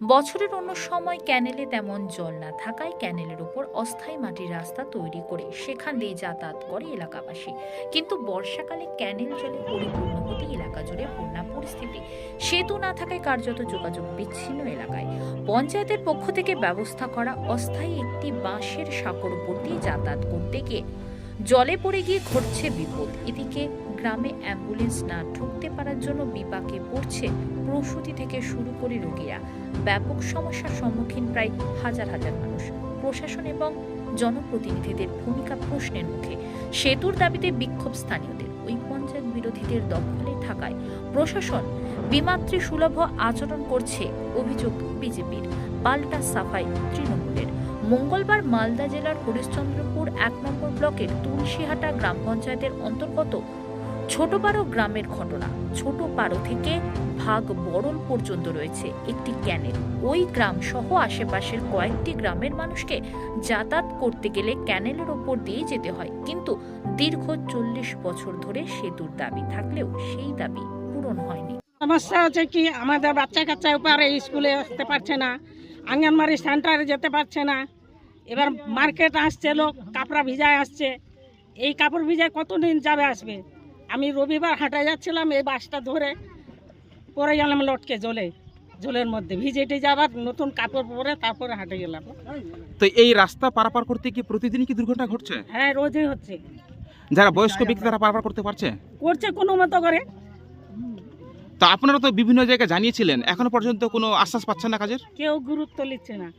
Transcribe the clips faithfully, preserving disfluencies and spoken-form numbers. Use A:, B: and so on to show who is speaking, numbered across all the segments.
A: বছরের অন্য সময় ক্যানেলে তেমন জল না থাকায় ক্যানেলের উপর অস্থায়ী মাটির রাস্তা তৈরি করে সেখান দিয়ে যাতায়াত করে এলাকাবাসী। কিন্তু বর্ষাকালে ক্যানেল জলে পরিপূর্ণ হতে এলাকা জুড়ে বন্যা পরিস্থিতি। সেতু না থাকায় কার্যত যোগাযোগ বিচ্ছিন্ন এলাকায়। পঞ্চায়েতের পক্ষ থেকে ব্যবস্থা করা অস্থায়ী একটি বাঁশের সাঁকোর উপর দিয়ে যাতায়াত করতে গিয়ে জলে পড়ে গিয়ে ঘটছে বিপদ। এদিকে গ্রামে অ্যাম্বুলেন্স না ঢুকতে পারার জন্য বিপাকে পড়ছে প্রসূতি থেকে শুরু করে রোগীরা। ব্যাপক সমস্যার সম্মুখীন প্রায় হাজার হাজার মানুষ। প্রশাসন এবং জনপ্রতিনিধিদের ভূমিকা প্রশ্নের মুখে। সেতুর দাবিতে বিক্ষোভ স্থানীয়দের। ওই পঞ্চায়েত বিরোধীদের দখলে থাকায় প্রশাসন বিমাতৃ সুলভ আচরণ করছে অভিযোগ বিজেপির। পাল্টা সাফাই তৃণমূলের। মঙ্গলবার মালদা জেলার হরিশ্চন্দ্রপুর এক নম্বর ব্লকের তুলসীহাটা গ্রাম পঞ্চায়েতের অন্তর্গত ছোটপাড়ো গ্রামের ঘটনা। ছোটপাড়ো থেকে ভাগ বড়ল পর্যন্ত রয়েছে একটি ক্যানেল। ওই গ্রাম সহ আশেপাশের কয়েকটি গ্রামের মানুষকে যাতায়াত করতে গেলে ক্যানেলের ওপর দিয়ে যেতে হয়, কিন্তু দীর্ঘ চল্লিশ বছর ধরে সেতুর দাবি থাকলেও সেই দাবি পূরণ হয়নি।
B: সমস্যা হচ্ছে কি, আমাদের বাচ্চা কাচ্চা উপরে স্কুলে আসতে পারছে না, আঙ্গনবাড়ি সেন্টারে যেতে পারছে না। এবার মার্কেট আসছে, লোক কাপড়া ভিজায় আসছে। এই কাপড় ভিজায় কতদিন যাবে আসবে? আমি রবিবার হাঁটায় যাচ্ছিলাম, এই বাসটা ধরে পরে গেলাম লটকে জলে জলের মধ্যে ভিজেটে যাবার নতুন কাপড় পরে তারপরে হাঁটে গেলাম।
C: তো এই রাস্তা পারাপার করতে কি প্রতিদিন কি দুর্ঘটনা ঘটছে?
B: হ্যাঁ, রোজই হচ্ছে।
C: যারা বয়স্ক ব্যক্তি তারা পারাপার করতে পারছে
B: করছে কোনো মতো করে।
C: তো আপনারা তো বিভিন্ন জায়গায় জানিয়েছিলেন, এখনো পর্যন্ত কোনো আশ্বাস পাচ্ছেন না কাজের?
B: কেউ গুরুত্ব নিচ্ছে না।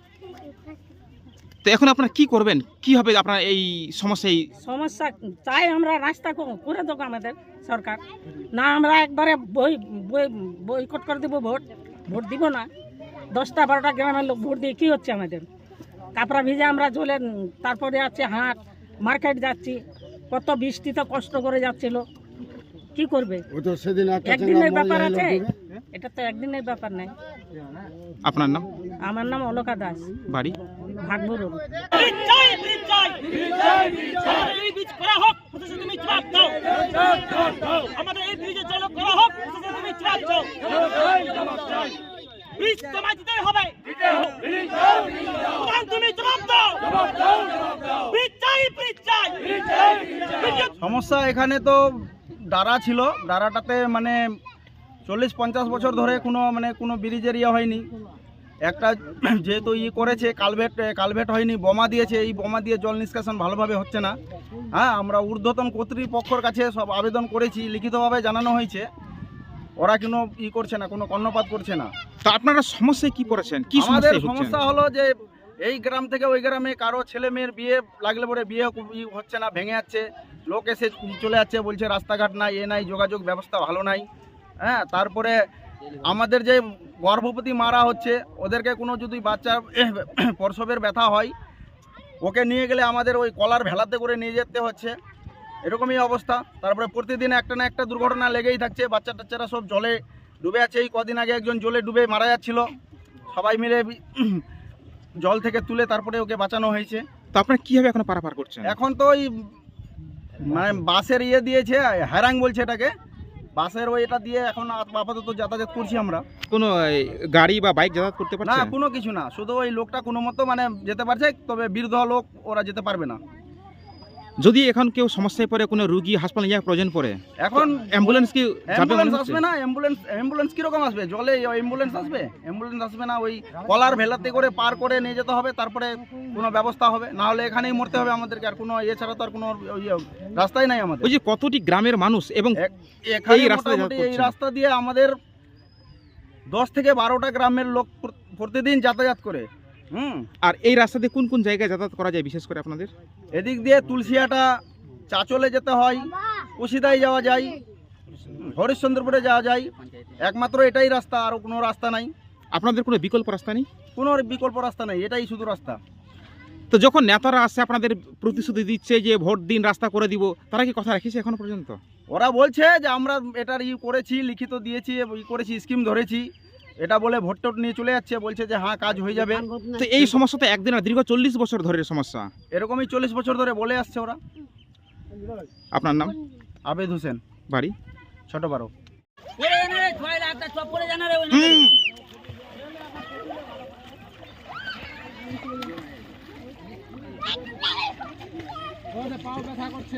C: তো এখন আপনারা কি করবেন? কি হবে আপনারা এই সমস্যা? এই
B: সমস্যা চাই আমরা রাস্তা ক- করে দেবো আমাদের সরকার। না আমরা একবারে বই বই বয়কট করে দেবো, ভোট ভোট দিব না। দশটা বারোটা গ্রামের লোক ভোট দিয়ে কী হচ্ছে আমাদের? কাপড়া ভিজে আমরা জলে তারপরে আছে হাট মার্কেট যাচ্ছি, কত বৃষ্টিতে কষ্ট করে যাচ্ছিল, কি করবে? একদিনের ব্যাপার আছে, এটা তো একদিনের ব্যাপার নাই।
C: আপনার নাম?
B: আমার নাম অলকা দাস,
C: বাড়ি
B: ভাগবুরু।
D: সমস্যা এখানে তো ডারা ছিল, ডারাটাতে মানে চল্লিশ পঞ্চাশ বছর ধরে কোনো মানে কোনো ব্রিজের ইয়ে হয়নি। একটা যেহেতু ই করেছে কালভেট কালভেট হয়নি, বোমা দিয়েছে, এই বোমা দিয়ে জল নিষ্কাশন ভালোভাবে হচ্ছে না। হ্যাঁ, আমরা ঊর্ধ্বতন কর্তৃপক্ষের কাছে সব আবেদন করেছি, লিখিতভাবে জানানো হয়েছে, ওরা কোনো ই করছে না, কোনো কর্ণপাত করছে না।
C: তো আপনারা সমস্যায় কি পড়েছেন? কি
D: আমাদের
C: সমস্যা
D: সমস্যা হলো যে এই গ্রাম থেকে ওই গ্রামে কারো ছেলে মেয়ের বিয়ে লাগলে পরে বিয়ে ই হচ্ছে না, ভেঙে যাচ্ছে, লোক এসে চলে যাচ্ছে, বলছে রাস্তাঘাট নাই, এ নাই, যোগাযোগ ব্যবস্থা ভালো নাই। হ্যাঁ, তারপরে আমাদের যে গর্ভবতী মারা হচ্ছে, ওদেরকে কোনো যদি বাচ্চার প্রসবের ব্যথা হয়, ওকে নিয়ে গেলে আমাদের ওই কলার ভেলাতে করে নিয়ে যেতে হচ্ছে, এরকমই অবস্থা। তারপরে প্রতিদিন একটা না একটা দুর্ঘটনা লেগেই থাকছে, বাচ্চা টাচ্চারা সব জলে ডুবে আছে। এই কদিন আগে একজন জলে ডুবে মারা যাচ্ছিল, সবাই মিলে জল থেকে তুলে তারপরে ওকে বাঁচানো হয়েছে।
C: তো আপনারা কিভাবে এখন পারাপার করছেন?
D: এখন তো ওই মানে বাসের ইয়ে দিয়েছে, হ্যারাং বলছে এটাকে, বাসের ওই এটা দিয়ে এখন আপাতত যাতায়াত করছি আমরা।
C: কোনো এই, গাড়ি বা বাইক যাতায়াত করতে
D: না,
C: পারছে?
D: কোনো কিছু না, শুধু ওই লোকটা কোনো মতো মানে যেতে পারছে, তবে বৃদ্ধ লোক ওরা যেতে পারবে না।
C: যদি এখন কেউ সমস্যায় পড়ে, কোনো রুগী হাসপাতালে যাওয়ার প্রয়োজন পড়ে, এখন অ্যাম্বুলেন্স কি যাবে?
D: অ্যাম্বুলেন্স আসবে না, অ্যাম্বুলেন্স অ্যাম্বুলেন্স কিরকম আসবে? জলে অ্যাম্বুলেন্স আসবে? অ্যাম্বুলেন্স আসবে না, ওই কলার ভেলাতে করে পার করে নিয়ে যেতে হবে, তারপরে কোনো ব্যবস্থা হবে, না হলে এখানেই মরতে হবে আমাদেরকে। আর কোনো এছাড়া তো আর কোনো ইয়ে রাস্তাই নাই আমাদের।
C: ওই যে কতটি গ্রামের মানুষ এবং
D: এখানে
C: এই রাস্তায়
D: মোটামুটি
C: যাতায়াত
D: এই
C: করছেন?
D: রাস্তা দিয়ে আমাদের দশ থেকে বারোটা গ্রামের লোক প্র- প্রতিদিন যাতায়াত করে। হুম,
C: আর এই রাস্তা দিয়ে কোন কোন জায়গায় যাতায়াত করা যায় বিশেষ করে আপনাদের?
D: এদিক দিয়ে তুলসিয়াটা চাচলে যেতে হয়, কুশিদায় যাওয়া যায়, হরিশ্চন্দ্রপুরে যাওয়া যায়, একমাত্র এটাই রাস্তা, আর কোনো রাস্তা নাই।
C: আপনাদের কোনো বিকল্প রাস্তা নেই?
D: কোনো বিকল্প রাস্তা নেই, এটাই শুধু রাস্তা।
C: তো যখন নেতারা আসছে আপনাদের প্রতিশ্রুতি দিচ্ছে যে ভোট দিন রাস্তা করে দিব, তারা কি কথা রেখেছে এখনো পর্যন্ত?
D: ওরা বলছে যে আমরা এটার ই করেছি, লিখিত দিয়েছি, ই করেছি, স্কিম ধরেছি, এটা বলে ভোট টোট নিয়ে চলে যাচ্ছে, বলছে যে হ্যাঁ কাজ হয়ে যাবে।
C: তো এই সমস্যা তো একদিন না, দীর্ঘ চল্লিশ বছর ধরে সমস্যা।
D: এরকমই চল্লিশ বছর ধরে বলে আসছে ওরা।
C: আপনার নাম?
D: আবেদ হোসেন,
C: বাড়ি
D: ছোট বারো।
C: হুম।
D: পাও ব্যথা করছে।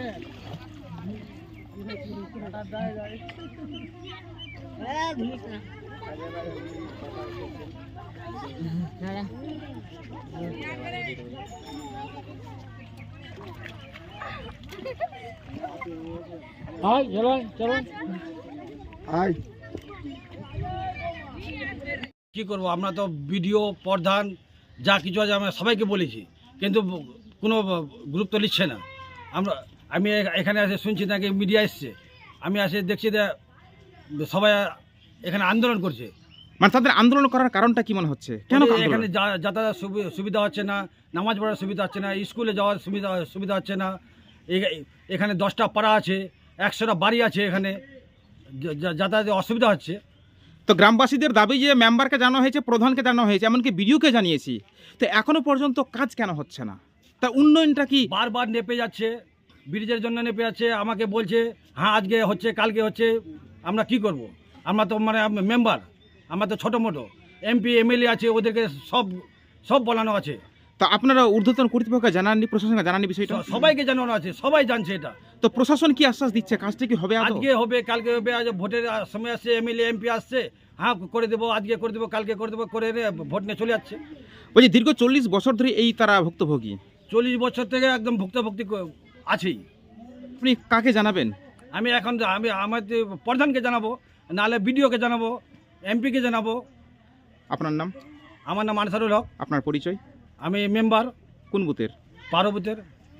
E: কি করব, আমরা তো বিডিও প্রধান যা কিছু আছে আমরা সবাইকে বলেছি, কিন্তু কোনো গুরুত্ব নিচ্ছে না। আমরা আমি এখানে এসে শুনছি নাকি মিডিয়া এসছে, আমি এসে দেখছি যে সবাই এখানে আন্দোলন করছে।
C: মানে তাদের আন্দোলন করার কারণটা কি মনে হচ্ছে? কেন
E: বলে
C: আন্দোলন?
E: এখানে যা- যাতায়াত সুবি- সুবিধা হচ্ছে না, নামাজ পড়ার সুবিধা হচ্ছে না, স্কুলে যাওয়ার সুবিধা সুবিধা হচ্ছে না। এ- এখানে দশটা পাড়া আছে, একশোটা বাড়ি আছে, এখানে যা- যা- যাতায়াতে অসুবিধা হচ্ছে।
C: তো গ্রামবাসীদের দাবি যে মেম্বারকে জানানো হয়েছে, প্রধানকে জানানো হয়েছে, এমনকি বিডিওকে জানিয়েছি, তো এখনো পর্যন্ত কাজ কেন হচ্ছে না? তা উন্নয়নটা কি?
E: বারবার নেপে যাচ্ছে, ব্রিজের জন্য নেপে যাচ্ছে। আমাকে বলছে হ্যাঁ আজকে হচ্ছে, কালকে হচ্ছে। আমরা কি করব? আমরা তো মানে মেম্বার, আমরা তো ছোটো মোটো এমপি এমএলএ আছে, ওদেরকে সব সব বলানো আছে।
C: তা আপনারা ঊর্ধ্বতন কর্তৃপক্ষকে জানাননি, প্রশাসনকে জানাননি বিষয়টা?
E: স- সবাইকে জানানো আছে, সবাই জানছে এটা।
C: তো প্রশাসন কি আশ্বাস দিচ্ছে কাজটা কি হবে আদৌ?
E: আজকে হবে, কালকে হবে, আজ ভোটের সময় আসছে, এমএলএ এমপি আসছে, হ্যাঁ করে দেবো, আজকে করে দেবো, কালকে করে দেবো, করে রে ভোট নিয়ে চলে যাচ্ছে।
C: বলছি দীর্ঘ চল্লিশ বছর ধরে এই তারা ভুক্তভোগী।
E: চল্লিশ বছর থেকে একদম ভুক্তভুক্তি ক- আছেই।
C: আপনি কাকে জানাবেন?
E: আমি এখন যা- আমি আমাদের প্রধানকে জানাবো, নাহলে বিডিওকে জানাবো, এমপিকে জানাবো।
C: আপনার নাম?
E: আমার নাম আনসারুল হক,
C: আপনার পরিচয়?
E: আমি মেম্বার
C: কোন বুথের?
E: পার্বতীর।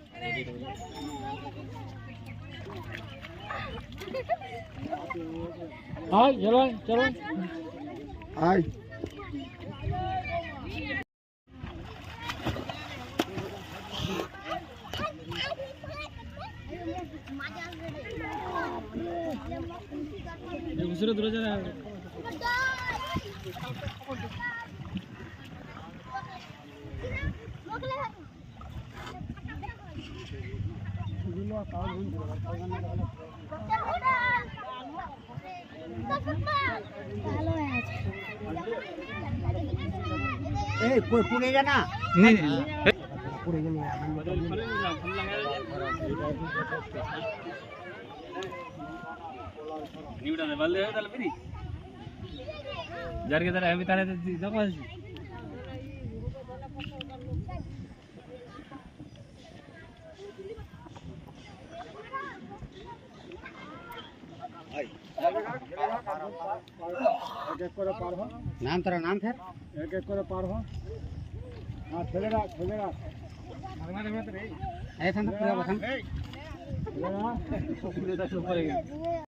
F: नाम तेरा नाम फिर
D: এক এক করে পার হ। আর ছেলেরা ছেলেরা
F: ऐसा पूरा बता
D: ছেলেরা